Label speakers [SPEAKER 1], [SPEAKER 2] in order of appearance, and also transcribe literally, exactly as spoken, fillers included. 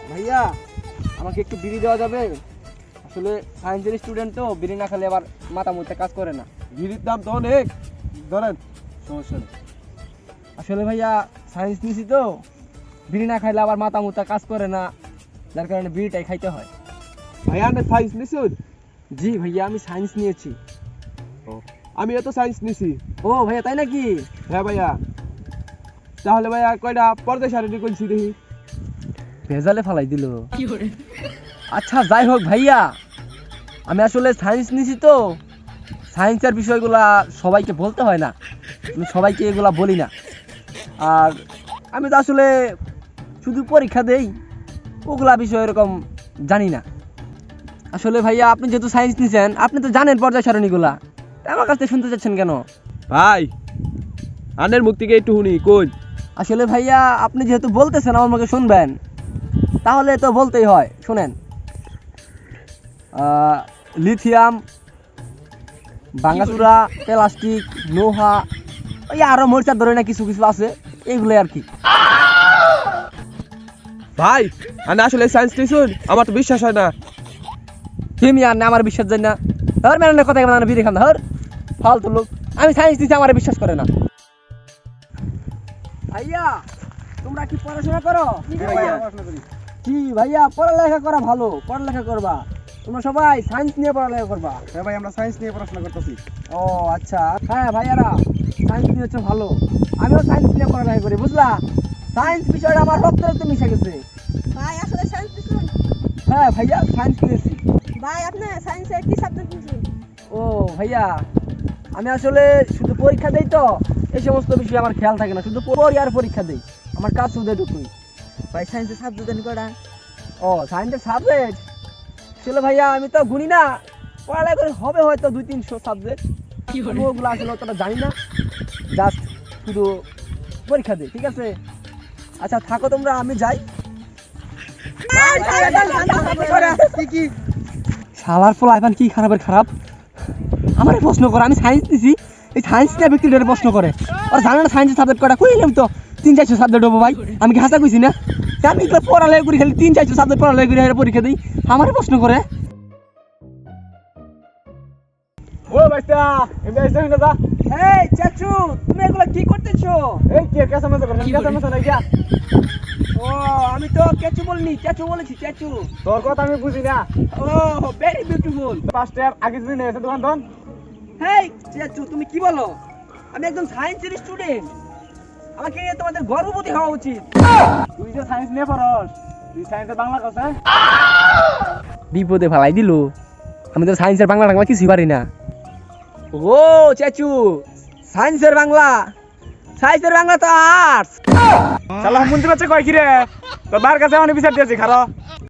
[SPEAKER 1] ভাইয়া আমাকে একটু বিড়ি দেওয়া যাবে? আসলে সায়েন্সের স্টুডেন্ট তো, বিড়ি না খেলে আবার মাথা মুথে কাজ করে না।
[SPEAKER 2] বিড়ির দাম তো অনেক, ধরেন সমস্যা নেই।
[SPEAKER 1] আসলে ভাইয়া সায়েন্স নিয়েছি তো, বিড়ি না খাইলে আবার মাথা মুথা কাজ করে না, যার কারণে বিড়িটাই খাইতে হয়।
[SPEAKER 2] ভাইয়া আপনি সায়েন্স নিছেন?
[SPEAKER 1] জি ভাইয়া আমি সায়েন্স নিয়েছি।
[SPEAKER 2] আমিও তো সায়েন্স নিছি।
[SPEAKER 1] ও ভাইয়া তাই নাকি?
[SPEAKER 2] হ্যাঁ ভাইয়া। তাহলে ভাইয়া কয়টা পর্দা শাড়ি কইছি দেখি।
[SPEAKER 1] ভেজালে ফালাই দিল। আচ্ছা যাই হোক ভাইয়া, আমি আসলে সায়েন্স নিয়েছি তো, সায়েন্সের বিষয়গুলা সবাইকে বলতে হয় না, আমি সবাইকে এগুলা বলি না। আর আমি তো আসলে শুধু পরীক্ষা দেই, ওগুলা বিষয় এরকম জানি না। আসলে ভাইয়া আপনি যেহেতু সায়েন্স নিয়েছেন, আপনি তো জানেন পর্যায় সারণীগুলা, আমার কাছ থেকে শুনতে চাচ্ছেন কেন?
[SPEAKER 2] ভাই আনের মুখ থেকে একটু শুনি কোন।
[SPEAKER 1] আসলে ভাইয়া আপনি যেহেতু বলতেছেন আমার মুখে শুনবেন, তাহলে তো বলতেই হয়। শুনেন, লিথিয়াম, ভাঙাচুরা, প্লাস্টিক, লোহা, ওই আরো মরিচার ধরে না কিছু কিছু আছে, এইগুলো আর কি।
[SPEAKER 2] ভাই আনে আসলে সায়েন্স নিছেন? আমার তো বিশ্বাস হয় না।
[SPEAKER 1] তুমি আর না আমার বিশ্বাস যায় না, ধর মেলানের কথা কেমন বিড়ি খান ধর, ফালতু লোক। আমি সায়েন্স দিচ্ছি, আমার বিশ্বাস করে না। ভাইয়া তোমরা কি পড়াশোনা করো? কি ভাইয়া পড়ালেখা করা ভালো, পড়ালেখা করবা। তোমরা সবাই সায়েন্স নিয়ে পড়ালেখা করবা।
[SPEAKER 2] হ্যাঁ ভাই আমরা সায়েন্স নিয়ে পড়াশোনা করতেছি।
[SPEAKER 1] ও আচ্ছা, হ্যাঁ ভাইয়ারা সায়েন্স নিয়ে হচ্ছে ভালো, আমিও সায়েন্স নিয়ে পড়ালেখা করি, বুঝলা? সায়েন্স বিষয়টা আমার রক্তে রক্তে মিশে গেছে।
[SPEAKER 3] ভাই আসলে সায়েন্স নিছেন?
[SPEAKER 1] হ্যাঁ ভাইয়া সায়েন্স নিয়েছি।
[SPEAKER 3] ভাই আপনি সায়েন্সের কি সাবজেক্ট নিছেন?
[SPEAKER 1] ও ভাইয়া আমি আসলে শুধু পরীক্ষা দেই তো, এই সমস্ত বিষয়ে আমার খেয়াল থাকে না, শুধু পড়ি আর পরীক্ষা দেই, আমার কাজ শুধু এটুকুই।
[SPEAKER 3] ভাই সায়েন্সের সাবজেক্ট জানি কয়টা?
[SPEAKER 1] ও সায়েন্সের সাবজেক্ট আসলে ভাইয়া আমি তো গুনি না, পড়ালেখা করে হবে হয়তো দুই তিনশো সাবজেক্ট, আমি ওগুলো আসলে অতটা জানি না, জাস্ট শুধু পরীক্ষা দিই। ঠিক আছে, আচ্ছা থাকো তোমরা, আমি যাই। শালার ফল আইবান কি খারাপের খারাপ, আমার প্রশ্ন করে, আমি সায়েন্স নিছি, এই সায়েন্স নিয়ে ব্যক্তিদের প্রশ্ন করে, আর জানে না সায়েন্সের সাবজেক্ট কটা, কইলাম তো তিন চারশো সাবজেক্ট হবো ভাই, আমি কি হাসা কইছি না? আমি এগুলো পড়ালেখা করি, খালি তিন চারশো সাবজেক্ট পড়ালেখা করি, পরীক্ষা দিই, আমার প্রশ্ন করে।
[SPEAKER 2] ও ভাইটা এমনি আইছো না দা?
[SPEAKER 1] এই চাচু তুমি এগুলো কি করতেছো?
[SPEAKER 2] এই কি কেসা মত করছ? কেসা মত নাই গিয়া।
[SPEAKER 1] ও আমি তো কেচু বলিনি, চাচু বলেছি, চাচু।
[SPEAKER 2] তোর কথা আমি বুঝি না।
[SPEAKER 1] Oh very beautiful.
[SPEAKER 2] First year আগে দিন এসে দোকান দন।
[SPEAKER 1] হেই চাচু তুমি কি বলো? আমি একদম সায়েন্সের স্টুডেন্ট, আমাকে নিয়ে তোমাদের গর্ববোধ হওয়া উচিত।
[SPEAKER 2] তুই যে সায়েন্স নিয়ে পড়স, তুই সায়েন্সে বাংলা কথা?
[SPEAKER 1] বিপদে ফালাই দিল, আমি তো সায়েন্সের বাংলা টাংলা কিছুই পারি না। ও চাচু সায়েন্সের বাংলা, সায়েন্সের বাংলা তো আর্টস।
[SPEAKER 2] শালা মন্দির আছে কয় কি রে? তোর বার কাছে আমি বিচার দিয়েছি খারাপ।